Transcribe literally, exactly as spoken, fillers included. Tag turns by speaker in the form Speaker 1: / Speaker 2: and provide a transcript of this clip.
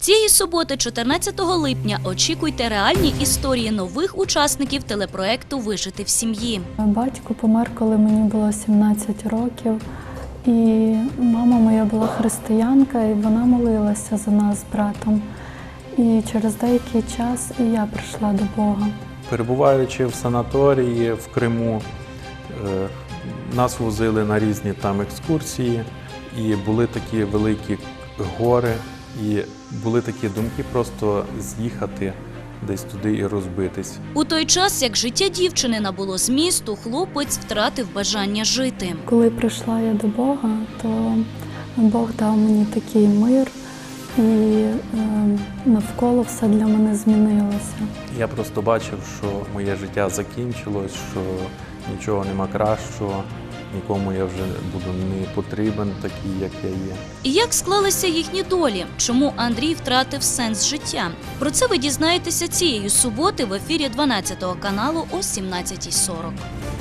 Speaker 1: Цієї суботи, чотирнадцятого липня, очікуйте реальні історії нових учасників телепроекту «Вижити в сім'ї».
Speaker 2: Батько помер, коли мені було сімнадцять років. І мама моя була християнка, і вона молилася за нас з братом. І через деякий час і я прийшла до Бога.
Speaker 3: Перебуваючи в санаторії в Криму, нас возили на різні там екскурсії, і були такі великі гори, і були такі думки просто з'їхати десь туди і розбитись.
Speaker 1: У той час, як життя дівчини набуло змісту, хлопець втратив бажання жити.
Speaker 2: Коли прийшла я до Бога, то Бог дав мені такий мир, і е, навколо все для мене змінилося.
Speaker 3: Я просто бачив, що моє життя закінчилось, що нічого нема кращого, нікому я вже буду не потрібен такий, як я є.
Speaker 1: І як склалися їхні долі? Чому Андрій втратив сенс життя? Про це ви дізнаєтеся цієї суботи в ефірі дванадцятого каналу о сімнадцятій сорок.